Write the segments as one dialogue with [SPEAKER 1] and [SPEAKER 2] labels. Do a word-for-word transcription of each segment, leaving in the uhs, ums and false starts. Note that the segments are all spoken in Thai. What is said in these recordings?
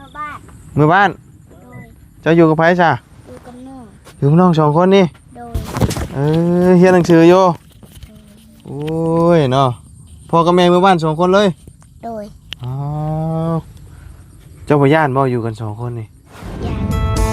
[SPEAKER 1] มื่อบ้าน
[SPEAKER 2] เมื่อบ้าน
[SPEAKER 1] โดย
[SPEAKER 2] เจ้าอยู่กับไผจ้ะ
[SPEAKER 1] อยู่กับน้อง
[SPEAKER 2] อยู่กับน้องสองคนนี่
[SPEAKER 1] โดย
[SPEAKER 2] เออเฮียนหนังสืออยู่โอ้ยเนาะพ่อกับแม่เมื่อบ้านสองคนเลย
[SPEAKER 1] โดย
[SPEAKER 2] อ๋อเจ้าพ่อย่านบ่อยู่กันสองคนนี่
[SPEAKER 1] ยา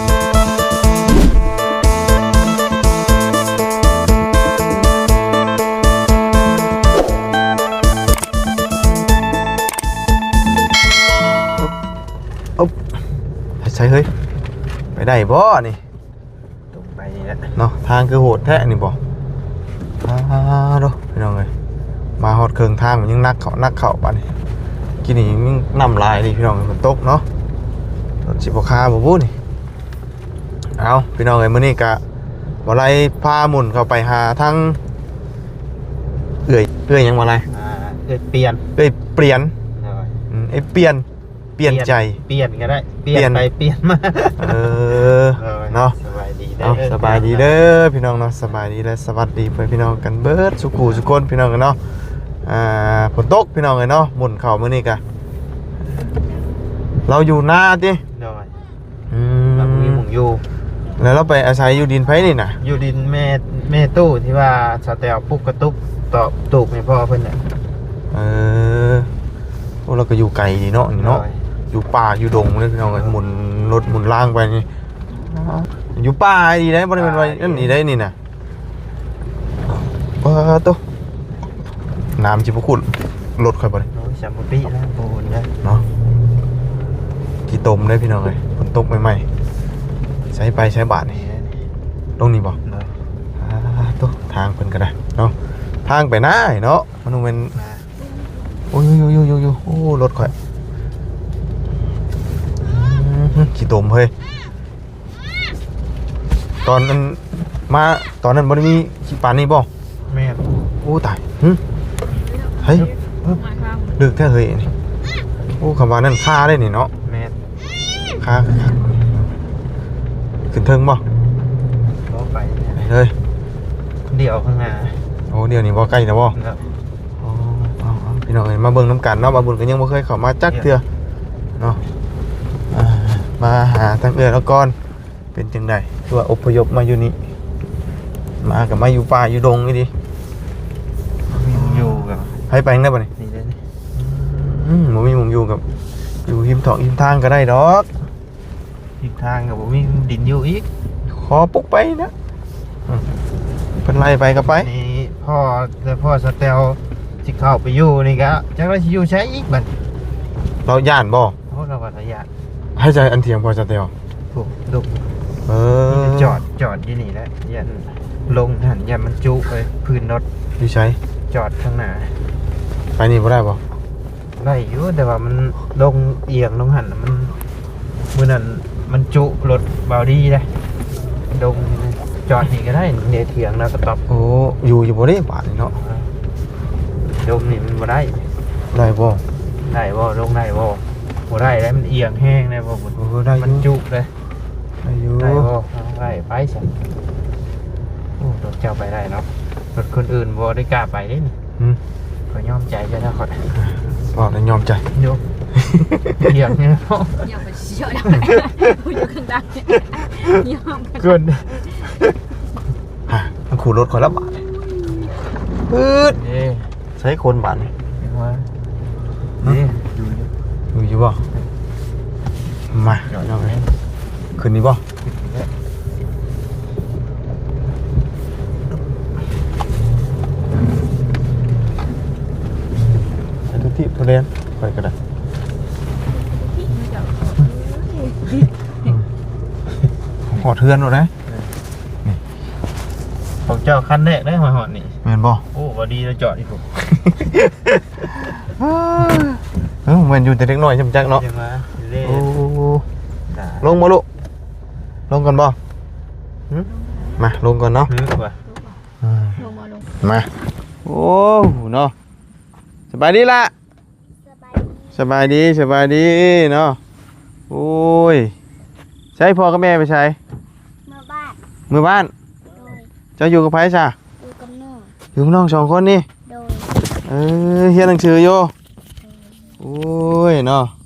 [SPEAKER 2] ใช่เฮ้ยไปได้บ่นี่
[SPEAKER 3] ตรงไปนี่แหละ
[SPEAKER 2] เนาะทางคือโหดแท้นี่บ่อ้าวดูพี่น้องเอ้ยมาฮอดเครื่องทางมันยังนักเขานักเขาปานนี้กินนี่ยังน้ำลายนี่พี่น้องฝนตกเนาะรถสิบ่คาบ่บู้นี่เอาพี่น้องเอ้ยมื้อนี้ก็บ่ไล่พาหมุนเข้าไปหาทางเอื้อยเอื้อยหยังบ่ไล่
[SPEAKER 3] อ่าเอ้ยเปลี่ยน
[SPEAKER 2] เอ้ยเปลี่ยน
[SPEAKER 3] หน่อย
[SPEAKER 2] อืมไอ้เปลี่ยนเปลี่ยนใจ
[SPEAKER 3] เปลี่ยนก็ได้เปลี่
[SPEAKER 2] เปลี่
[SPEAKER 3] ย
[SPEAKER 2] ย
[SPEAKER 3] น
[SPEAKER 2] น
[SPEAKER 3] ไปเปลี่ยนมา
[SPEAKER 2] เออเนาะ
[SPEAKER 3] สบายดี
[SPEAKER 2] เอาสบายดีเด้อพี่น้องเนาะสบายดีและสวัสดีเพื่อนพี่น้องกันเบิดสุขูสุคนพี่น้องกันเนาะอ่าฝนตกพี่น้องเลยเนาะหมุนเข่ามื้อนี้กะเราอยู่หน้าติ
[SPEAKER 3] หน่อย
[SPEAKER 2] อื
[SPEAKER 3] เรามี
[SPEAKER 2] ม
[SPEAKER 3] หมุงอยู่
[SPEAKER 2] แล้วเราไปอาศัยอยู่ดินไผนี่น่ะ
[SPEAKER 3] อยู่ดินแม่แม่ตู้ที่ว่าสแตลปุ๊กกระตุกต่อตูกให้พ่อเพิ่นน่ะ
[SPEAKER 2] เออโอ้เราก็อยู่ไกลดีเนาะนี่เนาะ
[SPEAKER 3] หอย
[SPEAKER 2] อยู่ป่าอยู่ดงเลยพี่น้องเอ้ยหมุนรถหมุนล่างไปนี่อยู่ป่าดีได้บ่ได้เป็นไว้นั่นนี่ได้นี่น่ะว้าโตน้ำจิบ่ขุ่นรถค่อยบ่ได้
[SPEAKER 3] โอ้ยสามปีแล้วโบนนะ
[SPEAKER 2] เนาะกี่ตมได้พี่น้องเลยฝนตกใหม่ๆใช้ไปใช้บาทนี่
[SPEAKER 3] นี่นี่
[SPEAKER 2] ตรงนี้บอก
[SPEAKER 3] หน่อย
[SPEAKER 2] ตัวทางเป็นก็ได้เนาะทางไปหน้าเนาะมันเป็น
[SPEAKER 3] มา
[SPEAKER 2] โอ้ยโยโยโยโยโอ้รถข่อยอื้อกี่ตมเฮ้ยตอนนั้นมาตอนนั้นบ่ได้มีขี้ปานนี่บ่
[SPEAKER 3] แม่
[SPEAKER 2] โอ้ตายหึเฮ้ยดึกแท้เฮ้ยนี่โอ้คำว่านั่นค่าได้นี่เนาะ
[SPEAKER 3] แม่
[SPEAKER 2] ค่าขึ้นเทิงบ่
[SPEAKER 3] บ่ไปเนี่ย
[SPEAKER 2] เฮ้ย
[SPEAKER 3] เดี๋ยวข้างหน้า
[SPEAKER 2] โอ้เดี๋ยวนี้บ่ใกล้นะบ่
[SPEAKER 3] แล้ว
[SPEAKER 2] อ๋อเอาเอาพี่น้องเอ้ยมาเบิ่งน้ำกันเนาะมาบุญก็ยังบ่เคยเข้ามาจักเทื่อเนาะอ่ามาหาทางเอื้อแล้วก่อนเป็นจังไดคือว่าอพยพมาอยู่นี่มากับมาอยู่ป่าอยู่ดงนี่ดิ
[SPEAKER 3] มีหมุงอยู่กับ
[SPEAKER 2] ให้ไปจังได้บ่นี่
[SPEAKER 3] นี่เลยนี่
[SPEAKER 2] อืมบ่มีหมุมอยู่กับอยู่หิมถอกหิมทางก็ได้ดอก
[SPEAKER 3] ทิศทางกับผมมีดินอยู่อีก
[SPEAKER 2] ขอปลุกไปนะอืมเพิ่นไล่ไปก็ไป
[SPEAKER 3] นี่พ่อแต่พ่อสเตลที่เข้าไปอยู่นี่ก็จักเราสิอยู่ใช้อีกบัด
[SPEAKER 2] เราย่านบ่
[SPEAKER 3] เพราะเราวัฏยาน
[SPEAKER 2] ให้ใจอันเทียมพอจะเตียว
[SPEAKER 3] ถูกดุก
[SPEAKER 2] เออ
[SPEAKER 3] จอดจอดที่นี่แหละยันลงหันยันมันจุไปพื้นรถ
[SPEAKER 2] อยู่ใช้
[SPEAKER 3] จอดข้างหน้า
[SPEAKER 2] ไปนี่บ่ได้บ่
[SPEAKER 3] ได้อยู่แต่ว่ามันลงเอียงลงหันน่ะมันมือนั้นมันจุรถเบาดีเลยลงจอดนี่ก็ได้เนเถียงแล้วก็ตอบ
[SPEAKER 2] โอ้อยู่อยู่บ่ได้บาดนี่เนาะ
[SPEAKER 3] ลงนี่มันบ่ได้
[SPEAKER 2] ได้บ่
[SPEAKER 3] ได้บ่ลงได้บ่บ่ได้แล้วมันเอียงแห้งได้บ่มัน
[SPEAKER 2] เออได้อ
[SPEAKER 3] มัน
[SPEAKER 2] ยู่
[SPEAKER 3] จุเลย
[SPEAKER 2] ได้อยู่
[SPEAKER 3] ได้บ่ได้ไปสิโอ้รถเจ้าไปได้เนาะรถคนอื่นบ่ได้กล้าไปเด้นี่
[SPEAKER 2] อืม
[SPEAKER 3] ก็ยอมใจจะได้ขอด
[SPEAKER 2] ก็ได้ยอมใจ
[SPEAKER 3] โยกเอียงเนี่ย
[SPEAKER 4] อย่าไปเชื่อได้พูดอยู่ข้างใต้ยอมกัน
[SPEAKER 3] เกิน
[SPEAKER 2] ฮะมันขูดรถข่อยละบาทปื๊ด
[SPEAKER 3] เด้
[SPEAKER 2] ใช้คนบาทนี่
[SPEAKER 3] เห็นว่าเด้ดูดิ
[SPEAKER 2] อยู่อยู่บ่มา
[SPEAKER 3] จอด
[SPEAKER 2] เอาไป
[SPEAKER 3] ไหม
[SPEAKER 2] คืนนี้บ่ใช้ทุกที่ทุเรียนไปก็ได้หอดเทือนหมดนะ
[SPEAKER 3] ของเจ้าคันแรกได้หอยหอดนี่
[SPEAKER 2] แม่นบ่
[SPEAKER 3] โอ้บ่ดีเราจอดอีกผม
[SPEAKER 2] เออเหมือนอยู่แต่เล็กน้อยจำจักเนาะ
[SPEAKER 3] เดี๋ยวมาเล่
[SPEAKER 2] โอ้
[SPEAKER 3] ด่า
[SPEAKER 2] ลงมาลูกลงก่อนบ่หึมาลงก่อนเนาะ
[SPEAKER 3] ฮึกว่า
[SPEAKER 2] อ่า
[SPEAKER 4] ลงมาลง
[SPEAKER 2] มาโอ้เนาะสบายดีละ
[SPEAKER 1] สบายดี
[SPEAKER 2] สบายดีสบายดีเนาะโอ้ยใช้พ่อกับแม่ไปใช้
[SPEAKER 1] เมื่อบ้าน
[SPEAKER 2] มือบ้าน
[SPEAKER 1] โดย
[SPEAKER 2] เจ้าอยู่กับไผจ้ะ
[SPEAKER 1] อยู่กับน้อง
[SPEAKER 2] อยู่กับน้องสองคนนี่
[SPEAKER 1] โดย
[SPEAKER 2] เออเฮียนหนังสืออยู่โอ้ยเนาะพ่อ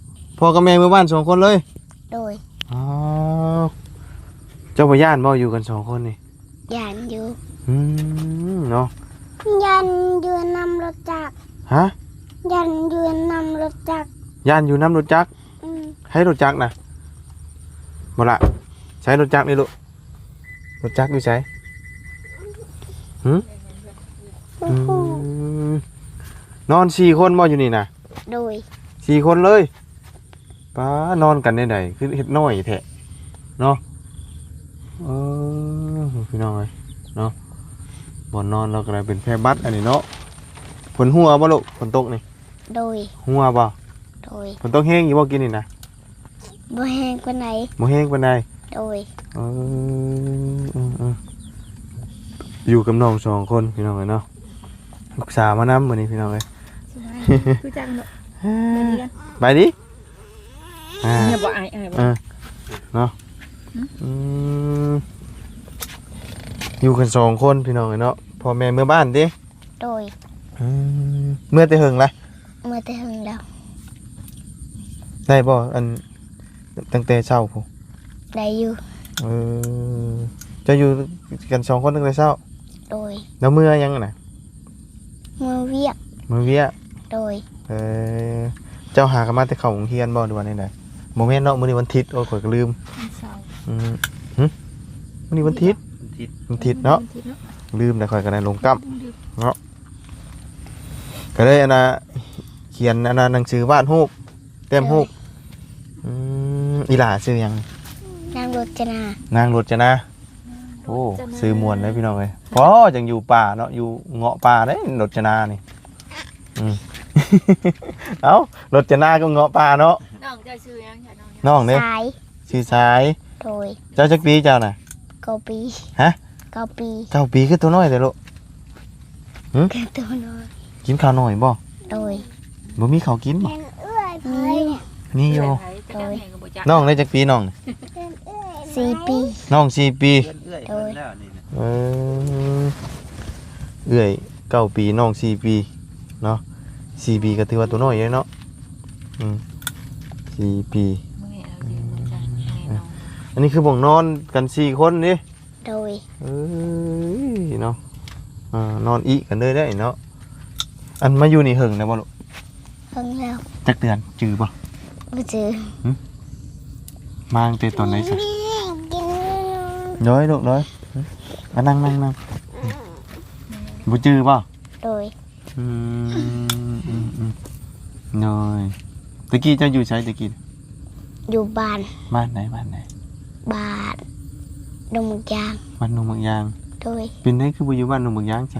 [SPEAKER 2] พ่อกับแม่เมื่อบ้านสองคนเลย
[SPEAKER 1] โดย
[SPEAKER 2] อ๋อเจ้าพ่อย่านบ่อยู่กันสองคนนี่
[SPEAKER 1] ยันอยู่
[SPEAKER 2] อืมเนาะ
[SPEAKER 1] ยันยืนนำรถจักร
[SPEAKER 2] ฮะ
[SPEAKER 1] ยันยืนนำรถจักร
[SPEAKER 2] ย่านอยู่น้ำรถจักร
[SPEAKER 1] อืม
[SPEAKER 2] ให้รถจักรนะบ่ละใช้รถจักรนี่ลูกรถจักรอยู่ใช้หืม
[SPEAKER 1] โอ้
[SPEAKER 2] อื
[SPEAKER 1] โห
[SPEAKER 2] มนอนสี่คนบ่อยู่นี่นะ
[SPEAKER 1] โดย
[SPEAKER 2] สี่คนเลยป้านอนกันได้ไหนคือเฮ็ดน้อยแท้เนาะเออพี่น้องเอ้ยเนาะบ่นอนเราก็เลยเป็นแพร่บัดอันนี้เนาะฝนหัวบ่ลูกฝนตกนี่
[SPEAKER 1] โดย
[SPEAKER 2] หัวบ่
[SPEAKER 1] โดย
[SPEAKER 2] ฝนตกแห้งอยู่บ่กินนี่นะ
[SPEAKER 1] บ่แห้งกว่าไหน
[SPEAKER 2] บ่แห้งปานใด
[SPEAKER 1] โดย
[SPEAKER 2] เออเออเอออยู่กับน้องสองคนพี่น้องเอ้ยเนาะลูกสาวมานำมื้อนี้พี่น้องเอ้ย
[SPEAKER 4] คือจังเนาะ
[SPEAKER 2] ไปดิอ่า
[SPEAKER 4] เนี่ยบ่อายอายบ่
[SPEAKER 2] เออเนาะอืมอยู่กันสองคนพี่น้องเอ้ยเนาะพ่อแม่เมื่อบ้านดิ
[SPEAKER 1] โดย
[SPEAKER 2] อืมเมื่อแต่หึงละ
[SPEAKER 1] เมื่อแต่หึงแล้ว
[SPEAKER 2] ได้บ่อันตั้งแต่เช้าพุ่น
[SPEAKER 1] ได้อยู่
[SPEAKER 2] เออจะอยู่กันสองคนตั้งแต่เช้า
[SPEAKER 1] โดย
[SPEAKER 2] แล้วเมื่อยังน่ะ
[SPEAKER 1] เมื่อเวียก
[SPEAKER 2] มื้อเวีย
[SPEAKER 1] โดย
[SPEAKER 2] เออเจ้าหากันมาแต่เข้าโรงเรียนบ่หรือว่าได๋ๆบ่แม่นเนาะมื้อนี้วันอาทิตย์โอ้ยข่อยก็ลืม
[SPEAKER 4] เศร้า
[SPEAKER 2] อืมหึมื้อนี้วันอาทิตย์วันอาทิตย์เนาะลืมแต่ข่อยก็ได้ลงกำเนาะก็เลยอันน่ะเขียนอันน่ะหนังสือวาดรูปเต็มรูปอืมอีหล่าชื่อหยัง
[SPEAKER 1] นางรจนาน
[SPEAKER 2] างรจนาโอ้ชื่อม่วนเลยพี่น้องเอ้ยพอจังอยู่ป่าเนาะอยู่เงาะป่าเด้รจนานี่อืม เอ้ารจนาก็เงาะป่าเนาะ
[SPEAKER 4] น้องเจะชื่อยังจ้ะน้อง
[SPEAKER 2] น้องเด้
[SPEAKER 1] สาย
[SPEAKER 2] ชื่อสาย
[SPEAKER 1] โดย
[SPEAKER 2] เจ้าจักปีเจ้าน่ะ
[SPEAKER 1] เก้าปี
[SPEAKER 2] ฮะ
[SPEAKER 1] เก้าปี
[SPEAKER 2] เก้าปีคือตัวน้อยแต่ลูก
[SPEAKER 1] เกิดตัวน้อย
[SPEAKER 2] กินข้าวน้อยบ่
[SPEAKER 1] โดย
[SPEAKER 2] บ่มีข้าวกินบ่
[SPEAKER 1] มี
[SPEAKER 2] มีอยู่
[SPEAKER 4] โดยก็บ่จัก
[SPEAKER 2] น้องได้จักปีน้องน่ะ
[SPEAKER 1] สี่ปี
[SPEAKER 2] น้องสี่ปี
[SPEAKER 1] โดย
[SPEAKER 2] เออเอื้อยเก้าปีน้องสี่ปีเนาะสี่ปีก็ถือว่าตัวน้อยเลยเนาะอืมสี่ปี
[SPEAKER 4] มื้อนี้เราสิบ่จักแน่นอน
[SPEAKER 2] อันนี้คือบ่งนอนกันสี่คนนี่
[SPEAKER 1] โดย
[SPEAKER 2] เอ้ยเนาะอ่านอนอีกันเลยได้เนาะอันมาอยู่นี่หึงนะบ่ลูก
[SPEAKER 1] เพิ่งแล้ว
[SPEAKER 2] จักเดือนจือบ่
[SPEAKER 1] มาเจอ
[SPEAKER 2] มาตั้งแต่ตอนไหนซะ
[SPEAKER 1] กิน
[SPEAKER 2] น้อยลูกน้อยมานั่งนั่งนั่งบ่จือบ่
[SPEAKER 1] โดย
[SPEAKER 2] อืมอืมอืมน้อยตะกี้เจ้าอยู่ไสตะกี้
[SPEAKER 1] อยู่บ้าน
[SPEAKER 2] บ้านไหนบ้านไหน
[SPEAKER 1] บ้านดงมุกยาง
[SPEAKER 2] บ้านหนองบางยาง
[SPEAKER 1] โดย
[SPEAKER 2] เป็นไดคือบ่อยู่บ้านหนองบางยางจ้ะ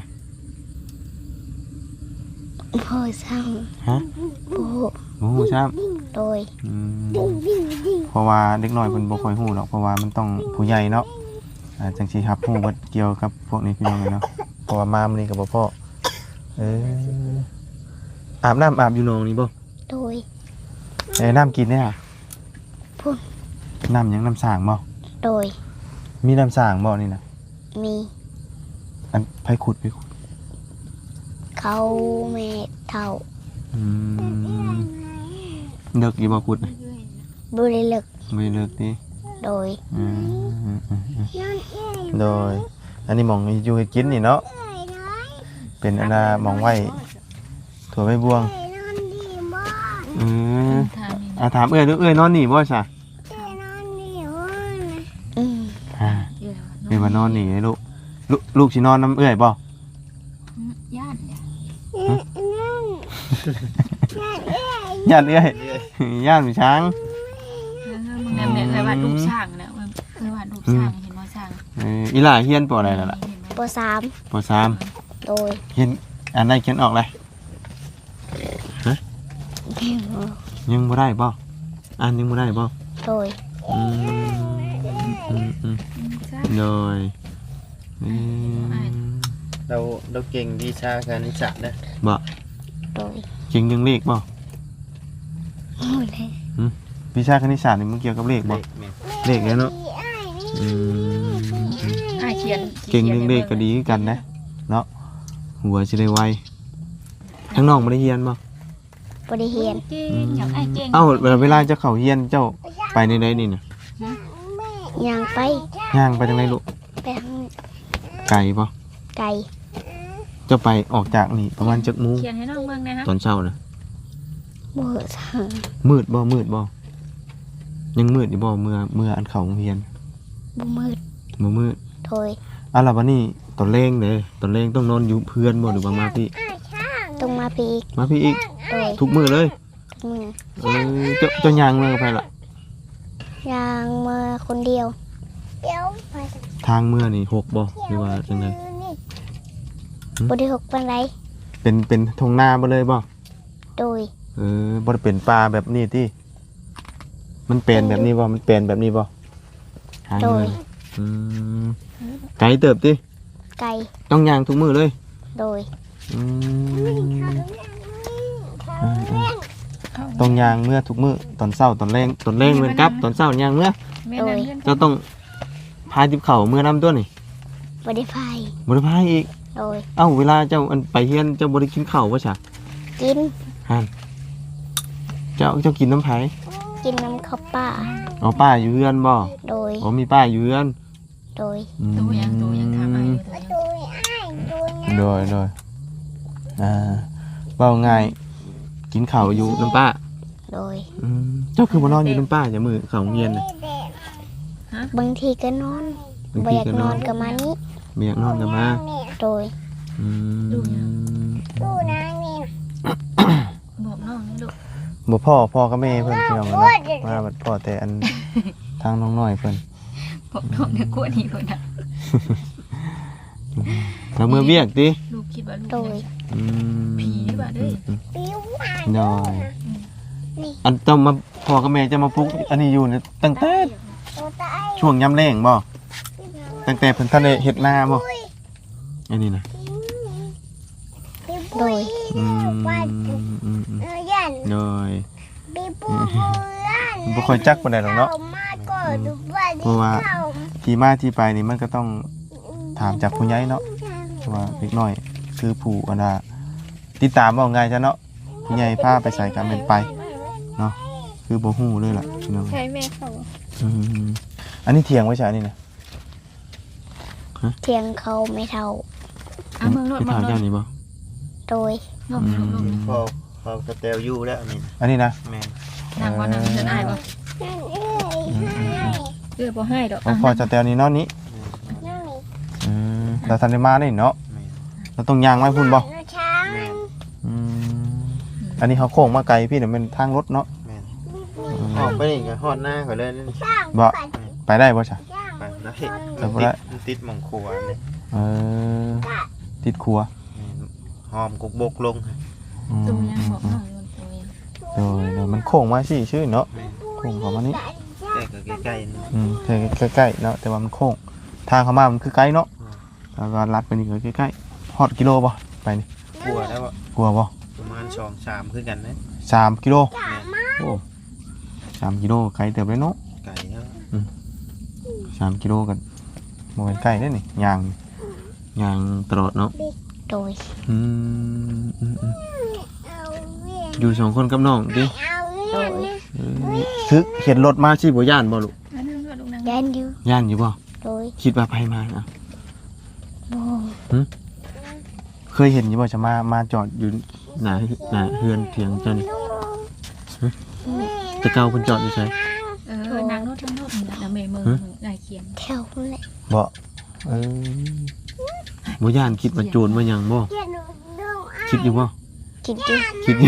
[SPEAKER 1] พ่อสั่ง
[SPEAKER 2] ฮะ
[SPEAKER 1] ผู้
[SPEAKER 2] โอ้โหครับ
[SPEAKER 1] โดย
[SPEAKER 2] อืมเพราะว่าเด็กน้อยเพิ่นบ่ค่อยฮู้หรอกเพราะว่ามันต้องผู้ใหญ่เนาะอ่าจังสิรับฮู้ว่าเกี่ยวกับพวกนี้พี่น้องเนาะเพราะว่ามามื้อนี้ก็บ่พอเอออาบน้ำอาบอยู่หนองนี่บ่
[SPEAKER 1] โดย
[SPEAKER 2] เอ้น้ำกินเนี่ย
[SPEAKER 1] พุ่น
[SPEAKER 2] น้ำหยังน้ำสร้างบ่
[SPEAKER 1] โดย
[SPEAKER 2] มีน้ำสร้างบ่นี่นะ
[SPEAKER 1] มี
[SPEAKER 2] อันไผขุดไผขุด
[SPEAKER 1] เขาแม่เท่า
[SPEAKER 2] อืมเลิกอีบ่ขุดน่ะ
[SPEAKER 1] บริลึก
[SPEAKER 2] บ่ได้เลิกติ
[SPEAKER 1] โดย
[SPEAKER 2] อืมอืมอืมอืมโดยอันนี้หม่องอยู่ให้กินนี่เนาะเป็นอันน่ะหม่องไว้ถั่วใบบัวงอืม
[SPEAKER 4] ทางนี้
[SPEAKER 2] อ่าถามเอ้ยเด้อเอ้ยนอนนี่บ่ซะ
[SPEAKER 1] อืม
[SPEAKER 2] อ่า
[SPEAKER 4] เยอะ
[SPEAKER 2] เอ้ยว่านอนนี่เลยลูกลูกลูกสินอนน้ำเอ้ยบ่
[SPEAKER 4] ย่านเนี่ย
[SPEAKER 2] ย่านเอ้ยย่านมีช้าง
[SPEAKER 4] มึงแม่แม่เคยวาดรูปช้างแล้วเคยวาดรูปช้างเห็นว่าช้าง
[SPEAKER 2] เอออีหล่าเฮียนปออะไรนั่นล่ะ
[SPEAKER 1] ปสาม
[SPEAKER 2] ปอสาม
[SPEAKER 1] โดย
[SPEAKER 2] เฮียนอันใดเขียนออกเลยยังบ่ได้บ่อ่านยังบ่ได้บ่
[SPEAKER 1] โดย
[SPEAKER 2] อืมอืมอืมโดยอืม
[SPEAKER 3] เราเราเก่งวิชาการนิสสัตนะ
[SPEAKER 2] บ่
[SPEAKER 1] โดย
[SPEAKER 2] เก่งเรื่องเลขบ่
[SPEAKER 1] โอ้ยเลย
[SPEAKER 2] วิชาคณิตศาสตร์นี่มันเกี่ยวกับเลขบ่เลขแล้วเนาะอืม
[SPEAKER 4] อ่าเขียน
[SPEAKER 2] เก่งเรื่องเลขก็ดีคือกันนะเนาะหัวสิได้ไวทั้งน้องบ่ได้เรียนบ่
[SPEAKER 1] บ่ได้เรียน
[SPEAKER 4] เก่งอยากไอ้เก่ง
[SPEAKER 2] เอ้าเวลาเจ้าเข้าเฮียนเจ้าไปในใดนี่น่ะ
[SPEAKER 1] ย่างไป
[SPEAKER 2] ย่างไปทางไหนลูก
[SPEAKER 1] ไปทาง
[SPEAKER 2] ไกลบ่
[SPEAKER 1] ไกล
[SPEAKER 2] เจ้าไปออกจากนี่ประมาณจักโมง
[SPEAKER 4] เขียนให้น้องเบิ่งนะฮะ
[SPEAKER 2] ตอนเช้าน่ะ
[SPEAKER 1] บ่สั่ง
[SPEAKER 2] มืดบ่มืดบ่ยังมืดอยู่บ่เมื่อเมื่ออันเข้าโรงเรียน
[SPEAKER 1] บ่มืด
[SPEAKER 2] บ่มืด
[SPEAKER 1] โดย
[SPEAKER 2] อ่ะล่ะบัดนี้ตอนแรงเด้ตอนแรงต้องนอนอยู่เพื่อนบ่หรือว่ามาพี่
[SPEAKER 1] ต้องมาพี่อีก
[SPEAKER 2] มาพี่อีก
[SPEAKER 1] โดย
[SPEAKER 2] ทุกมื้อเลย
[SPEAKER 1] ทุกมื้อ
[SPEAKER 2] เออเจ้าเจ้าย่างมากับไผล่ะ
[SPEAKER 1] ย่างมาคนเดียวเดี๋ยวไป
[SPEAKER 2] ทางเมื่อนี่หกบ่หรือว่าจังได
[SPEAKER 1] บ่ได้หกปานใด
[SPEAKER 2] เป็นเป็นทงนาบ่เลยบ่
[SPEAKER 1] โดย
[SPEAKER 2] เออบ่ได้เป็นป่าแบบนี้ติมันเป็นแบบนี้บ่มันเป็นแบบนี้บ่ทาง
[SPEAKER 1] โด
[SPEAKER 2] เมื่อย อืมไกลเติบติ
[SPEAKER 1] ไกล
[SPEAKER 2] ต้องย่างทุกมื้อเลย
[SPEAKER 1] โดย
[SPEAKER 2] อืมอืมอืมต้องย่างเมื่อทุกมื้อตอนเช้าตอนแรงตอนแรงเหมือนกับตอนเช้าย่างเมื่อ
[SPEAKER 4] แม่นั่งเรียน
[SPEAKER 2] เจ้าต้องพายติบเข่าวเมื่อน้ำตัวนี่
[SPEAKER 1] บ่ได้พาย
[SPEAKER 2] บริพายอีก
[SPEAKER 1] โดย
[SPEAKER 2] เอ้าเวลาเจ้าอันไปเฮียนเจ้าบริกินข้าววะฉะ
[SPEAKER 1] กิน
[SPEAKER 2] ฮันเจ้าเจ้ากินน้ำไผ่
[SPEAKER 1] กินน้ำข้าวป่า
[SPEAKER 2] เอาป้าอยู่เฮือนบ่
[SPEAKER 1] โดย
[SPEAKER 2] อ๋อมีป้าอยู่เฮือน
[SPEAKER 1] โดย
[SPEAKER 2] อืม
[SPEAKER 4] ตัวยังตัวยังทำอะไรตัวยัง
[SPEAKER 2] โดยโดยอ่าเบาง่ายกินข้าวอยู่น้ำป้า
[SPEAKER 1] โดย
[SPEAKER 2] อืมเจ้าคือบ่นอนอยู่น้ำป้าอย่ามือข้าวโรงเรียนน่ะ
[SPEAKER 1] บางทีก็นอน
[SPEAKER 2] บาง
[SPEAKER 1] บ่
[SPEAKER 2] ที
[SPEAKER 1] อยาก
[SPEAKER 2] ก็
[SPEAKER 1] น
[SPEAKER 2] น
[SPEAKER 1] อ
[SPEAKER 2] อน น
[SPEAKER 1] ก็มานี้
[SPEAKER 2] เมียากนอนกันมา
[SPEAKER 1] โดย
[SPEAKER 2] อืม
[SPEAKER 4] บอกน้องนี่ลูก
[SPEAKER 2] บ่พ่อพ่อกับแม่เพิ่นพี่น้องเนาะมาบัดพ่อแต่อันทางน้องน้อยเพิ่น
[SPEAKER 4] บอกน้องเนี่ยกลัวนี่คนน่ะ
[SPEAKER 2] แล้วมือเบียกดิ
[SPEAKER 4] ลูกคิดว่าลูก
[SPEAKER 1] โดย
[SPEAKER 2] อืม
[SPEAKER 4] ผีบ่เด้อ
[SPEAKER 2] อืมน้อยอันต้องมาพ่อกับแม่จะมาปลุกอันนี้อยู่เนี่ยตั้งแต่ช่วงยามแล้งบ่ตั้งแต่เพิ่นทันได้เฮ็ดนาบ่อันนี้นะ
[SPEAKER 1] โดย
[SPEAKER 2] อืมอืมอืมน้อยบ่ค่อยจักปานใดหรอกเนาะเพราะว่าที่มาที่ไปนี่มันก็ต้องถามจากผู้ใหญ่เนาะว่าเล็กน้อยคือผู้อันน่ะติดตามว่าง่ายจ้ะเนาะผู้ใหญ่พาไปใส่กันเป็นไปเนาะคือบ่ฮู้เลยล่ะพี่น้อง
[SPEAKER 1] ใช่แม่เขา
[SPEAKER 2] อืมอันนี้เถียงไว้ใช่นี่นะ
[SPEAKER 1] เทียงเขาไม่เท่า
[SPEAKER 4] เอาเมืองรถ
[SPEAKER 2] ที่
[SPEAKER 4] เมือ
[SPEAKER 2] ถาง ม
[SPEAKER 4] ร
[SPEAKER 2] ย่า
[SPEAKER 4] ถ
[SPEAKER 2] นนี้บ่
[SPEAKER 1] โดย
[SPEAKER 4] ลงลงลง
[SPEAKER 3] พอพอกระเตลอยู่แล้วนี่
[SPEAKER 2] อันนี้นะ
[SPEAKER 3] แม่น
[SPEAKER 4] นั่งบ่นั่งเดินอ้ายบ่เออบ่ให้ดอก
[SPEAKER 2] พอพอจะแตวนี้เนาะนี้อืมเราทันได้มานี่เนาะ
[SPEAKER 3] แม่น
[SPEAKER 2] เราต้องย่างไว้พุ่นบ่
[SPEAKER 3] แม่น
[SPEAKER 2] อืมอันนี้เขาโค้งมาไกลพี่เดี๋ยวเป็นทางรถเนาะ
[SPEAKER 3] แม่นออกไปนี่ก็ฮอดหน้าเขาเลยนี่
[SPEAKER 2] บ่ไปได้บ่จ้ะ
[SPEAKER 3] ไปได้
[SPEAKER 2] ไปบ่ได้
[SPEAKER 3] มันติดหม่องครัวนี่
[SPEAKER 2] เออติดครัว
[SPEAKER 3] แม่นหอมกุกบกลง
[SPEAKER 2] อืม
[SPEAKER 4] ตัวยังบอกน้องอยู่ตัวยัง
[SPEAKER 2] โดยโดยมันโค้งมาสิชื่อเนาะ
[SPEAKER 3] แม่น
[SPEAKER 2] โค้งเข้ามานี่
[SPEAKER 3] แต่ก็ใกล้ๆนี่
[SPEAKER 2] อืมใกล้ๆเนาะแต่ว่ามันโค้งทางเข้ามามันคือไกลเนาะแล้วก็ลัดไปนี่ก็ใกล้ๆฮอดกิโลบ่ไปนี่
[SPEAKER 3] กลัวแล้วอะ
[SPEAKER 2] กลัวบ่
[SPEAKER 3] ประมาณสองสามคือกันนะ
[SPEAKER 2] สามกิโล
[SPEAKER 3] แม่น
[SPEAKER 2] โอ้สามกิโลไกลเติบเลยเนาะ
[SPEAKER 3] ไก่แล้ว
[SPEAKER 2] สามกิโลกันโมเป็นไกลได้นี่ยางยางตลอดเนาะ
[SPEAKER 1] โดย
[SPEAKER 2] อืมอืมอืมอยู่สองคนกับน้องดิ
[SPEAKER 1] โดย
[SPEAKER 2] เออคือเห็นรถมาสิบ่ย่านบ่ลูก
[SPEAKER 4] นั่งรถลูกนั่ง
[SPEAKER 1] ยันอยู่
[SPEAKER 2] ย่านอยู่บ่
[SPEAKER 1] โดย
[SPEAKER 2] คิดว่าไปมาอ่ะ
[SPEAKER 1] บ่
[SPEAKER 2] เคยเห็นอยู่บ่จะมามาจอดอยู่หน้าหน้าเฮือนเถียงเจ้านี่ฮะแต่เก่าเพิ่นจอดอยู่ไส
[SPEAKER 4] เออนั่งรถนั่งรถนี่นะแม่เมืองนายเขียน
[SPEAKER 1] แถวนั่นแหละ
[SPEAKER 2] บ่เออบ่ย่านคิดว่าโจรมาหยังบ่คิดอยู่บ่
[SPEAKER 1] กินอยู่
[SPEAKER 2] คิดอยู่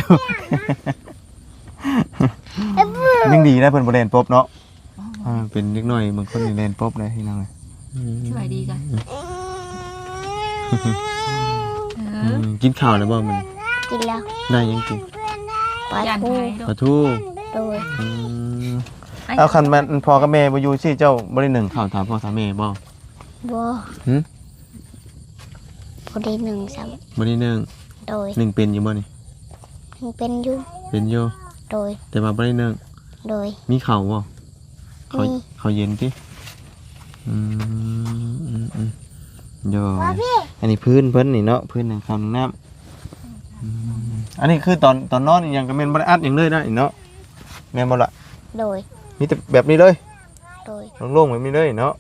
[SPEAKER 2] ยังดีนะเพิ่นบ่เล่นป๊บเนาะอ่าเป็นเด็กน้อยบางคนนี่เล่นป๊บเลยพี่น้องเอ้ยอืม
[SPEAKER 4] สวัสดีกันเอ
[SPEAKER 2] อื
[SPEAKER 4] อ
[SPEAKER 2] มกินข้าวแล้วบ่มัน
[SPEAKER 1] กินแล้ว
[SPEAKER 2] ได้ยังกิน
[SPEAKER 1] ปลา
[SPEAKER 4] ยัน
[SPEAKER 1] ทู
[SPEAKER 4] ไทย
[SPEAKER 2] ปลาทู
[SPEAKER 1] โดย
[SPEAKER 2] อืมเอาคันมันพ่อกับแม่บ่อยู่สิเจ้าบ่ได้นึ่งข้าวถามพ่อถามแม่บ่
[SPEAKER 1] บ่
[SPEAKER 2] หึ
[SPEAKER 1] บ่ได้หนึ่งซ้
[SPEAKER 2] บ่ได้นึ่ง
[SPEAKER 1] ำโดย
[SPEAKER 2] นึ่งเป็นอยู่บ่นี่
[SPEAKER 1] ยังเป็นอยู่
[SPEAKER 2] เป็นอยู่
[SPEAKER 1] โดย
[SPEAKER 2] แต่ว่าบ่ได้นึ่ง
[SPEAKER 1] โดย
[SPEAKER 2] มีข้าวบ่ข้าว
[SPEAKER 1] มี
[SPEAKER 2] ข้าวเย็นติอืมอืมอืมโยอันนี้พื้นเพิ่นนี่เนาะพื้นหนังข้าวหนังน้ำอืมอันนี้คือตอนตอนนอนอีหยังก็แม่นบ่ได้อัดหยังเลยนะอีเนาะแม่นบ่ล่ะ
[SPEAKER 1] โดย
[SPEAKER 2] มีแต่แบบนี้เลย
[SPEAKER 1] โดย
[SPEAKER 2] โล่งๆแบบนี้เลยเนาะ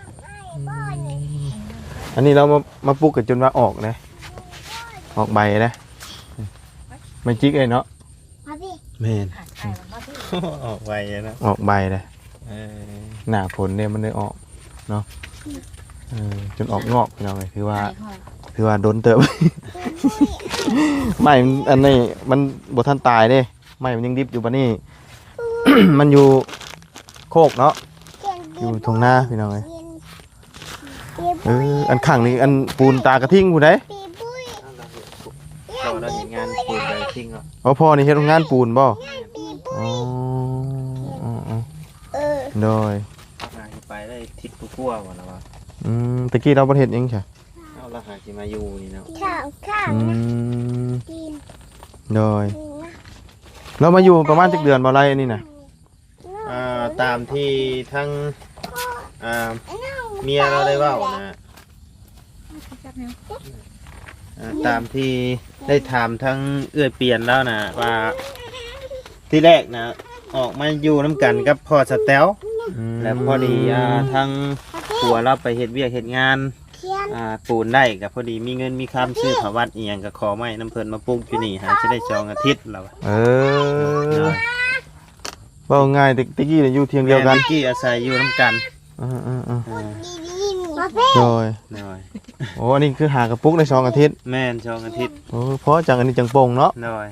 [SPEAKER 2] อันนี้เรามามาปลูกกันจนว่าออกนะออกใบนะไม่จิกเลยเนาะ
[SPEAKER 1] มาพี่
[SPEAKER 2] แม่น
[SPEAKER 3] ออกไปนะ
[SPEAKER 2] ออกใบเลย
[SPEAKER 3] เออ
[SPEAKER 2] หน้าผลเนี่ยมันได้ออกเนาะเออจนออกงอกพี่น้องเลยถือว่าถือว่าโดนเติบ ไม่อันนี้มันบทันตายเด้ไม่มันยังดิบอยู่ปะนี่ มันอยู่โคกเนาะอยู่ทงหน้าพี่น้องเลยเอออันข้างนี้อันปูนตากระทิ่งผู้ใด
[SPEAKER 3] เราได้เห็นงานปูนไปทิ้งอ่ะ
[SPEAKER 2] อ๋อพ่อนี่เฮ็ดโรงงานปูนบ่อ๋ออ๋ออ๋อ
[SPEAKER 1] เออ
[SPEAKER 2] โดย
[SPEAKER 3] งานไปได้ทิศผู้กลัวหมดแล้ววะ
[SPEAKER 2] อืมตะกี้เราบ่เฮ็ดเองใช่
[SPEAKER 3] เอาละหาที่มาอยู่นี่เนาะ
[SPEAKER 1] ข้าวข้าว
[SPEAKER 2] อื
[SPEAKER 1] นะ
[SPEAKER 2] ม
[SPEAKER 1] กิน
[SPEAKER 2] โดยเรามาอยู่ประมาณจักเดือนบ่ไรอันนี้น่ะ
[SPEAKER 3] อ่าตามที่ทั้งอ่าเมียเราได้เว่านะอ่าตามที่ได้ถามทั้งเอื้อยเปลี่ยนแล้วนะว่าที่แรกนะออกมาอยู่น้ำกันกับพ่อสแตล
[SPEAKER 2] ม
[SPEAKER 3] แล้วพอดีอ่าทั้งผัวเราไปเฮ็ดเวียกเฮ็ดงาน
[SPEAKER 1] เทียน
[SPEAKER 3] อ่าปูนได้กับพอดีมีเงินมีคำซื้อผวัดอีหยังก็ขอไม้น้ำเพิ่นมาปลูกอยู่นี่หาจะได้จองอาทิตย์แล้ว
[SPEAKER 2] เออเว้าง่ายตะตะกี้น่ะอยู่เทียงเดียวกัน
[SPEAKER 3] แม่กี้อาศัยอยู่น้ำกัน
[SPEAKER 2] อ่าๆ
[SPEAKER 3] อ่า
[SPEAKER 1] มาพี่
[SPEAKER 2] ๆโดย
[SPEAKER 3] หน่อย
[SPEAKER 2] โอ้อันนี้คือหากระปุกได้สองอาทิตย์
[SPEAKER 3] แม่นจองอาทิตย์
[SPEAKER 2] โอ้เพราะจังอันนี้จังโป่งเนาะ
[SPEAKER 3] หน่อย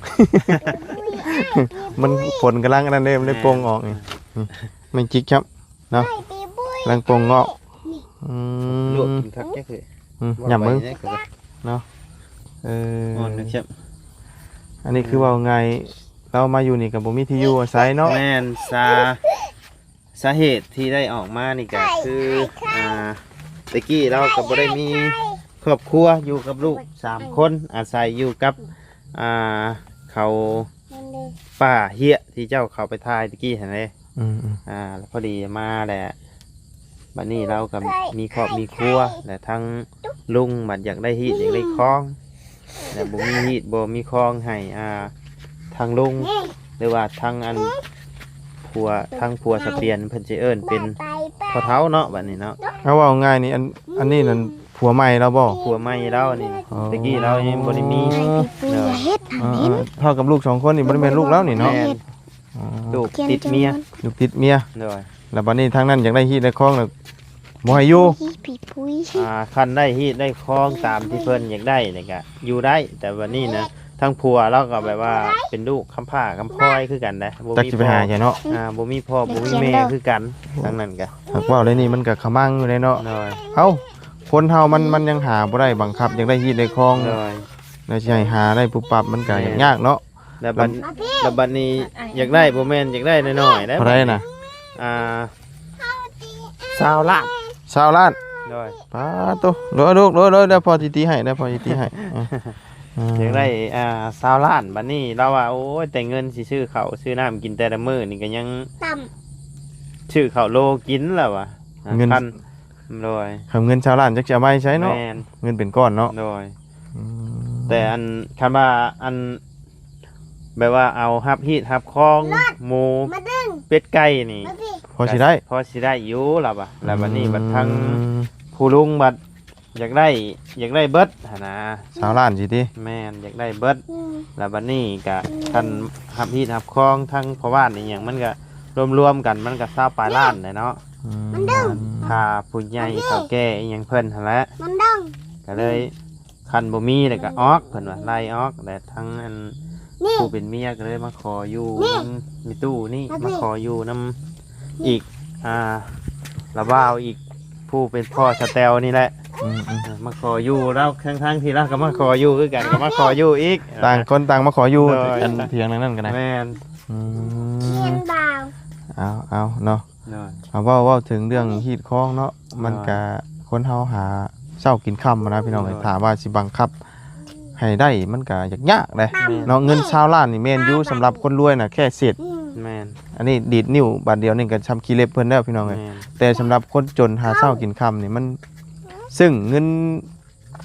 [SPEAKER 2] มันฝนกำลังอันนั้นเด้มันได้โป่งออกนี่นี่ไม่จิกครับเนาะ
[SPEAKER 1] ปีบุ้ย
[SPEAKER 2] กำลังโป่งงอกอื
[SPEAKER 3] ลวก
[SPEAKER 2] ม
[SPEAKER 3] กินคักแค่คือ
[SPEAKER 2] อืมหย่ำมึง
[SPEAKER 3] ว่าไปเนี่ยก็
[SPEAKER 2] เออ
[SPEAKER 3] อ่อนนะครับ
[SPEAKER 2] อันนี้คือว่าไงเรามาอยู่นี่กับบ่มีที่อยู่อาศัยเนาะ
[SPEAKER 3] แม่นสาสาเหตุที่ได้ออกมานี่ก็คืออ่าตะกี้เราก็บ่ได้มีครอบครัวอยู่กับลูกสามคนอาศัยอยู่กับอ่าเขา
[SPEAKER 1] มันเลย
[SPEAKER 3] ป่าเฮียที่เจ้าเขาไปทายตะกี้เห็นไหม
[SPEAKER 2] อืม
[SPEAKER 3] อ่าแล้วพอดีมาแหละบัดนี้เรากับมีครอบมีครัวแต่ทั้งลุงบัดอยากได้ฮีดอยากได้คลองแต่บ่มีฮีดบ่มีคลองให้อ่าทางลุงหรือว่าทางอันผัวทางผัวสะเปียนเพิ่นสิเอิ้นเป็น
[SPEAKER 1] ไปไป
[SPEAKER 3] พ่อเฒ่าเนาะบัดนี้เนาะ
[SPEAKER 2] ๆเอาว่าง่ายนี่อันอันนี้นั่นผัวใหม่เราบ่
[SPEAKER 3] ผัวใหม่เรานี่
[SPEAKER 2] อ๋อ
[SPEAKER 3] ตะกี้เรายังบ่ได้มี
[SPEAKER 1] ปีบุ้ยอย่าเฮ็ด
[SPEAKER 2] อ่าๆเท่ากับลูกสองคนนี่บ่ได้เป็นลูกแล้วนี่เนาะ
[SPEAKER 3] แม่น
[SPEAKER 2] อ๋อ
[SPEAKER 3] ลูกติดเมีย
[SPEAKER 2] ลูกติดเมีย
[SPEAKER 3] เด้อ
[SPEAKER 2] แล้วบัดนี้ทางนั้นอยากได้ฮีดได้คล้องแล้วบ่ให้อยู่
[SPEAKER 1] ปีบุ้ย
[SPEAKER 3] อ่าคันได้ฮีดได้คลองตามที่เพิ่นอยากได้นี่ก็อยู่ได้แต่วันนี้นะทั้งผัวเราก็แบบว่าเป็นลูกคำผ้าคำพร้อยคือกันนะบ่
[SPEAKER 2] จัก
[SPEAKER 3] มี
[SPEAKER 2] สิไป
[SPEAKER 3] พ่อ
[SPEAKER 2] หาใช่เนาะ
[SPEAKER 3] อ่าบ่มีพ่อบ่มีแม่คือกันทั้งนั้นก็
[SPEAKER 2] หากว่าเลยนี่มันก็ขมังอยู่เลยเนาะ
[SPEAKER 3] น้อย
[SPEAKER 2] เอ้าคนเฮามันมันยังหาบ่ได้บังคับอยากได้ฮีดได้คล้อง
[SPEAKER 3] น้อย
[SPEAKER 2] แล้วสิให้หาได้ปุ๊บปั๊บมันก็ยากเนาะ
[SPEAKER 3] แล้วบัดแล้วบัดนี้อยากได้บ่แม่นอยากได้น้อยๆนะ
[SPEAKER 2] เท่าไรน่ะ
[SPEAKER 3] อ่าสาวล้าน
[SPEAKER 2] ชาวล้าน
[SPEAKER 3] น้อย
[SPEAKER 2] ป้าโตโดยลูกโดยโดยได้พอสิตีให้ได้พอสิตีให้อ่ะ
[SPEAKER 3] อยากได้อ่าสาวล้านบัดนี้เราว่าโอ้ยแต่เงินสิซื้อข้าวซื้อน้ำกินแต่ละมื้อนี่ก็ยัง
[SPEAKER 1] ต่
[SPEAKER 3] ชื่อเขาวโลกินแล้ววะ
[SPEAKER 2] เงิน
[SPEAKER 3] พันโดย
[SPEAKER 2] คำเงินชาวล้านจักจะเอามาให้ใช้เนาะ
[SPEAKER 3] แมน
[SPEAKER 2] เงินเป็นก้อนเนาะ
[SPEAKER 3] โดย
[SPEAKER 2] อืม
[SPEAKER 3] แต่อันคำว่าอันแบบว่าเอาฮับฮีดฮับคองหมู
[SPEAKER 1] ำมาดึง
[SPEAKER 3] เป็ดไก่นี่
[SPEAKER 1] มาพี่
[SPEAKER 2] พอสิได้
[SPEAKER 3] พอสิได้อยู่แล้ววะแล้วบัดนี้บัดทั้ง
[SPEAKER 2] อืม
[SPEAKER 3] ผู้ลุงบัดอยากได้อยากได้เบิดหั่นนะ
[SPEAKER 2] ชาวล้านสิติ
[SPEAKER 3] แม่นอยากได้เบิด
[SPEAKER 1] อืม
[SPEAKER 3] แล้วบัดนี้ก็ท่านฮับฮีดฮับคองทั้งพ่อบ้านนี่หยังมันก็รวมๆกันมันก็ซาปลายล้านเลยเนาะ
[SPEAKER 2] อืม
[SPEAKER 3] ถ้าผู้ใหญ่เฒ่าแก่อีหยังเพิ่นหั่นแหละ
[SPEAKER 1] มันดึง
[SPEAKER 3] ก็เลยคันบ่มีแล้วก็ออกเพิ่นว่าไล่ออกแต่ทั้งอัน
[SPEAKER 1] นี่
[SPEAKER 3] ผู้เป็นเมียก็เลยมาขออยู่
[SPEAKER 1] นี่
[SPEAKER 3] นำมีตู้นี่
[SPEAKER 1] มาสิ
[SPEAKER 3] มาขออยู่นํอีกอ่าละบ่าวอีกผู้เป็นพ่อสแตลนี่แหละ
[SPEAKER 2] อืมอืม
[SPEAKER 3] เออมาขออยู่แล้วข้างๆที่เราก็มาขออยู่คือกันก็มาขออยู่อีก
[SPEAKER 2] ต่างคนต่างมาขออยู่
[SPEAKER 3] โดย
[SPEAKER 2] อันเถียงนั่นนั่นกันนะ
[SPEAKER 3] แม่น
[SPEAKER 2] อื
[SPEAKER 1] เทีย
[SPEAKER 2] ม
[SPEAKER 1] นบ่าว
[SPEAKER 2] เอาเอาเนาะ
[SPEAKER 3] โดย
[SPEAKER 2] เอาเว่าเว่าถึงเรื่องฮีดคล้องเนาะมัน
[SPEAKER 3] อ่า
[SPEAKER 2] ก็คนเฮาหาเช้ากินค่ำนะพี่น้อง
[SPEAKER 3] อ่า
[SPEAKER 2] ถามว่าสิบังคับ ให้ได้มันก็ยากยากเลย
[SPEAKER 3] แม่น
[SPEAKER 2] เนาะเงินชาวล้านนี่แม่นอยู่สำหรับคนรวยน่ะแค่เศษ
[SPEAKER 1] อืม
[SPEAKER 3] แม่น
[SPEAKER 2] อันนี้ดีดนิ้วบาทเดียวนี่ก็ชำขี้เล็บเพิ่นแล้วพี่น้องเอ้ย
[SPEAKER 3] แม่น
[SPEAKER 2] แต่สำหรับคนจนหาเช้ากินค่ำนี่มัน ซึ่งเงิน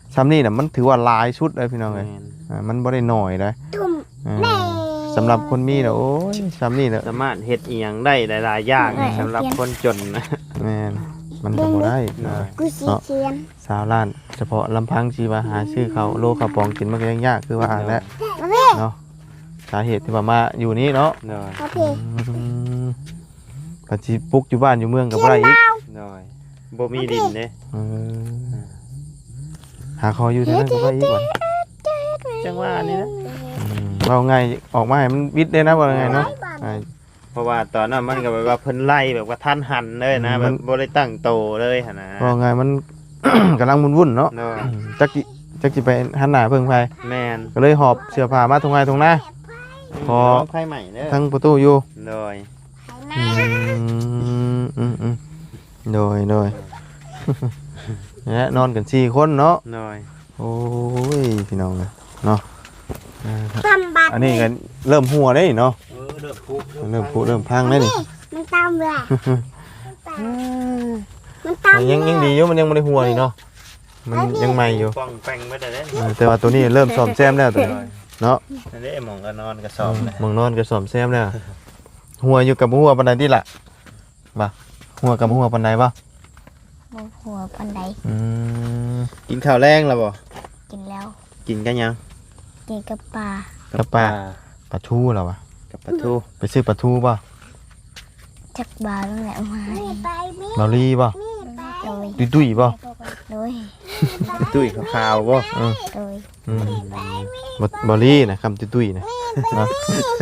[SPEAKER 2] ซ้ำนี่น่ะมันถือว่าหลายชุดเลยพี่น้องเอ้ย
[SPEAKER 3] แม่น
[SPEAKER 2] อ่ามันบ่ได้น้อยเด้
[SPEAKER 1] ตุ่ม
[SPEAKER 2] อ่าสำหรับคนมีน่ะโอ้ยซ้ำนี่น่ะ
[SPEAKER 3] สามารถเฮ็ดอีหยังได้หลายๆอย่างสำหรับคนจนนะ
[SPEAKER 2] แม่นมันก็บ่ได้อ่า
[SPEAKER 1] กูสีเขียน
[SPEAKER 2] สาวล้านเฉพาะลำพังชีวาหาชื่อเขาโลข้าวปองกินมันก็ยังยากคือว่าอ่านแล้ว
[SPEAKER 1] มาพี่
[SPEAKER 2] เนาะสาเหตุที่ว่ามาอยู่นี่เนาะ
[SPEAKER 3] โดย
[SPEAKER 1] มาพี่
[SPEAKER 2] ปัจจิปลุกอยู่บ้านอยู่เมืองกับไรอีก
[SPEAKER 3] โดยบ่มีดินเด้
[SPEAKER 2] เออหาคออยู่ที่นั่นกับไรอีกวะ
[SPEAKER 3] จังว่านี่นะ
[SPEAKER 2] อืมเราไงออกมาให้มันวิทย์ได้นะว่าไงเนาะอ่า
[SPEAKER 3] เพราะว่าตอนนั้นมันก็แบบว่าเพิ่นไล่แบบว่าท่านหันเลยนะ
[SPEAKER 2] มั
[SPEAKER 3] แบ
[SPEAKER 2] น
[SPEAKER 3] บบ่ได้ตั้งโตเลยหั่นนะ
[SPEAKER 2] ว่าไงมัน กำลังวุ่นๆเนาะ
[SPEAKER 3] โดย
[SPEAKER 2] จักจิจักจิไปหันหน้าเพิ่งไป
[SPEAKER 3] แม่น
[SPEAKER 2] ก็เลยหอบเสื้อผ้ามาตรงไงตรงหน้า พอ
[SPEAKER 3] ไผใหม่เด้อ
[SPEAKER 2] ทั้งประตูอยู่
[SPEAKER 3] โดย
[SPEAKER 2] อืมอืมอืมโดยโดย เนี่ยนอนกันสี่คนเนาะ
[SPEAKER 3] โดย
[SPEAKER 2] โอ้ยพี่น้องเลยเนาะอ่าครับ
[SPEAKER 1] ตำบัตร
[SPEAKER 2] อันนี้กันเริ่มหัวได้เนาะ
[SPEAKER 3] เออเด้อปุ๊บ
[SPEAKER 2] เริ่มพุเริ่มพังได้นี่
[SPEAKER 1] มันตำเลยมันตำ
[SPEAKER 2] ยังยังดีอยู่มันยังไม่ได้หัวนี่เนาะมันยังใหม่อยู่
[SPEAKER 3] ป้องแป้งไว้ได้เด้
[SPEAKER 2] เออแต่ว่าตัวนี้เริ่มซ่อมแซมแล้วตัวนี้เนาะ
[SPEAKER 3] นั่นเด้หมองก็นอนก็สอบเลย
[SPEAKER 2] หมองนอนก็ซ่อมแซมแล้วหัวอยู่กับหัวปันใดที่ละบ่หัวกับหัวปันใดบ่
[SPEAKER 1] โมหัวปันได
[SPEAKER 2] อืม
[SPEAKER 3] กินข้าวแรงแล้วบ่
[SPEAKER 1] กินแล้ว
[SPEAKER 3] กินกันยัง
[SPEAKER 1] กินกับปลา
[SPEAKER 2] กับปลาปลาทูเหรอวะ
[SPEAKER 3] กับปลาทู
[SPEAKER 2] ไปซื้อปลาทูบ่
[SPEAKER 1] จักบาตั้งแต่มา
[SPEAKER 2] บาลีบ่
[SPEAKER 1] โดย
[SPEAKER 2] ตุ้ยตุ้ยบ่
[SPEAKER 1] โดย
[SPEAKER 3] ตุ้ยขาวๆบ่
[SPEAKER 2] อืม
[SPEAKER 1] โดย
[SPEAKER 2] อืมบอบอลี่นะคำตุ้ยๆนะเนาะ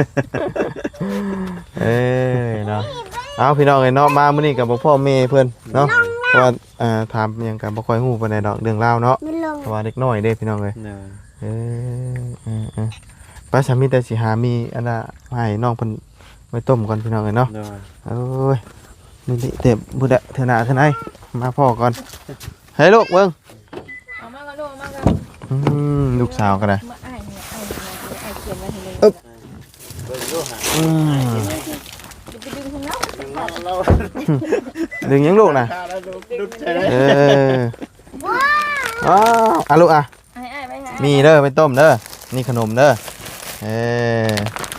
[SPEAKER 2] เอ้ยเนาะเอาพี่น้องไอ้เนาะมามื้อนี้กับพ่อแม่เพิ่นเนาะเพราะว่าอ่าถามอิหยังกันบ่ค่อยฮู้ปานใดดอกเรื่องราวเนาะ
[SPEAKER 1] ไม่ลง
[SPEAKER 2] เพราะว่าเด็กน้อยเด้พี่น้องเอ้ย
[SPEAKER 3] เนย
[SPEAKER 2] เอ้ยเออเออป้าสามีแต่สิหามีอันน่ะมาให้น้องเพิ่นไว้ต้มก่อนพี่น้องเอ้ยเนาะ
[SPEAKER 3] เนย
[SPEAKER 2] โอ้ยนี่นี่เต็มบุดะเถอะหน้าเถอะไหนมาพ่อก่อนเฮ้ยลูกเบิ่ง
[SPEAKER 4] เอามาก็ลูกเอามาก็
[SPEAKER 2] อืมลูกสาวก็ได้
[SPEAKER 4] มาอ้ายเนี่ยอ้ายเนี่ยอ้ายเขียนไว้ให้เลย
[SPEAKER 3] เบิ่งดูหา
[SPEAKER 2] อืม
[SPEAKER 4] จะไปดึงของเรา
[SPEAKER 3] ดึงเราเรา
[SPEAKER 2] ดึงยังลูกน่ะ
[SPEAKER 3] ข้าวแล้วดูดูใช่ไหม
[SPEAKER 2] เออว้าวอ่ะลูกอ่ะ
[SPEAKER 4] ให้อ้ายไว้ให้
[SPEAKER 2] มีเด้อไปต้มเด้อ นี่ขนมเด้อ เออ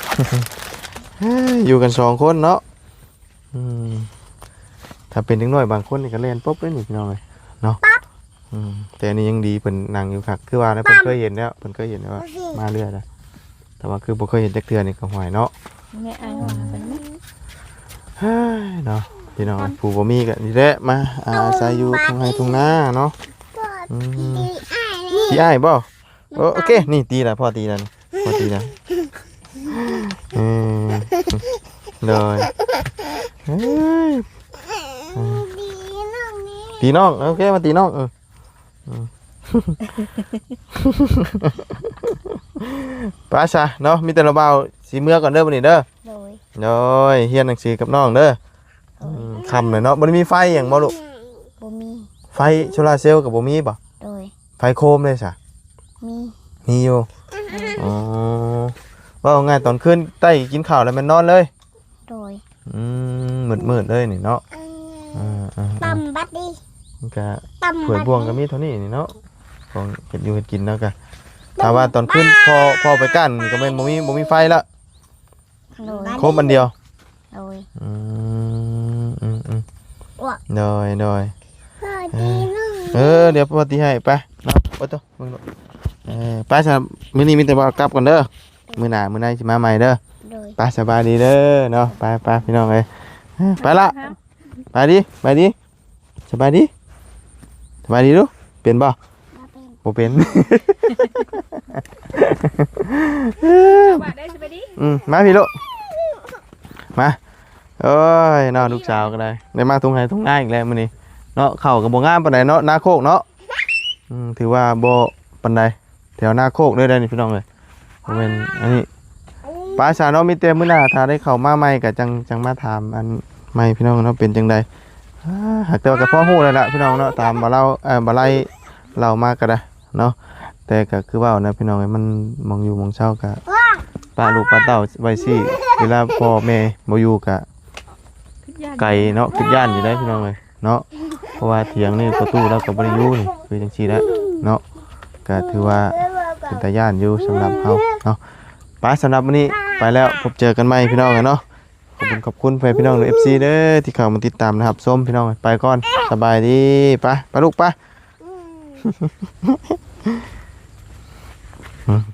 [SPEAKER 2] อยู่กันสองคนเนาะอืมถ้าเป็นเด็กน้อยบางคนนี่ก็เล่นปุ๊บเลยนี่พี่น้องเลยเนาะอืมแต่อันนี้ยังดีเพิ่นนั่งอยู่คักคือว่านะเพิ่นเคยเห็นแล้วเพิ่นเคยเห็นแล้วว่ามาเรื่อยแล้วแต่ว่าคือบ่เคยเห็นจักเทื่อนี่ก็ห่วยเนาะ
[SPEAKER 4] แม่อ้ายว่าเป็นไหม
[SPEAKER 2] เฮ้ยเนาะพี่น้องผู้บ่มีก็นี่แหละมาอาศัยอยู่ทุ่งไร่ทุ่งนาเนาะอืม ตีอ้ายบ่โอโอเค นี่ตีแล้วพ่อตีแล้วนี่พ่อตีแล้วอืมเลยเฮ้ยตีน้องโอเคมาตีน้องเอออืมไป้าชาเนาะมีแต่เราเบาสีเมื่อก่อนเด้อวันนี้เด้อ
[SPEAKER 1] โดย
[SPEAKER 2] โดยเฮียนหนังสือกับน้องเด้ออืมคำเลยเนาะบ่ได้มีไฟอย่างบ่ลูก
[SPEAKER 1] บ่มี
[SPEAKER 2] ไฟโซลาร์เซลล์กับบ่มีบ่
[SPEAKER 1] โดย
[SPEAKER 2] ไฟโคมเลยจ้ะ
[SPEAKER 1] มี
[SPEAKER 2] มีอยู่อ๋อว่าเอาไงตอนคืนใต้กินข้าวแล้วมันนอนเลย
[SPEAKER 1] โดย
[SPEAKER 2] อืมมืดมืดๆเลยนี่เนาะอ่าอ่าอ่า
[SPEAKER 1] ตำบัตรดิ
[SPEAKER 2] มันก็
[SPEAKER 1] ตำ
[SPEAKER 2] ถ้วยบวงก็มีเท่านี้นี่เนาะของเก็บอยู่เก็บกินแล้วก็ถ้าว่าตอนคืนพอพอไปกั้นก็แม่นบ่มีบ่มีไฟละ
[SPEAKER 1] โดย
[SPEAKER 2] ครบอันเดียว
[SPEAKER 1] โดย
[SPEAKER 2] อืมอืมอืม
[SPEAKER 1] อ้วก
[SPEAKER 2] โดยโดย
[SPEAKER 1] พ่อดีน้อง
[SPEAKER 2] เออเดี๋ยวพอตีให้ไปเนาะไปตัวมึงเนาะเออไปซะมื้อนี้มีแต่ว่ากลับก่อนเด้อมื้อหน้ามื้อไหนสิมาใหม่เด้อ
[SPEAKER 1] โดย
[SPEAKER 2] ไปสบายดีเด้อเนาะไปไปพี่น้องเอ้ยไปละไปดิไปดิสบายดีสบายดีดูเป็นบ่
[SPEAKER 1] มาเป็น
[SPEAKER 2] บ่เป็น
[SPEAKER 4] บาดได้สิไปดิ
[SPEAKER 2] อืมมาพี่ลูกมาโอ้ยเนาะลูกสาวก็ได้ได้มาทุ่งไห้ทุ่งนาอีกแล้วมื้อนี้เนาะเข้าก็บ่งามปานใดเนาะนาโคกเนาะอืมถือว่าบ่ปานใดแถวนาโคกเด้อได้นี่พี่น้องเอ้ยบ่แม่นอันนี้ป้าสาวเนาะมีแต่มื้อหน้าถ้าได้เข้ามาใหม่ก็จังจังมาถามอันใหม่พี่น้องเนาะเป็นจังไดอ่าหากแต่ว่าก็พอฮู้แล้วล่ะพี่น้องเนาะตามบ่เล่าเอ่อบ่ไล่เล่ามาก็ได้เนาะแต่ก็คือว่านะพี่น้องเอ้ยมันมองอยู่มองเช้าก็ป้าลูกป้าเต้าไว้สิเวลาพ่อแม่บ่อยู่ก็ไก่เนาะคิดย่านอยู่ได้พี่น้องเอ้ยเนาะเพราะว่าเถียงนี่ประตูเราก็บ่ได้อยู่นี่คือจังซี่แหละเนาะก็ถือว่าเป็นตาย่านอยู่สำหรับเฮาเนาะไปสำหรับวันนี้ไปแล้วพบเจอกันใหม่พี่น้องเนาะขอบคุณขอบคุณไปพี่น้องใน เอฟ ซี เด้อที่เข้ามาติดตามนะครับส้มพี่น้องไปก่อนสบายดีไปไปลูกไป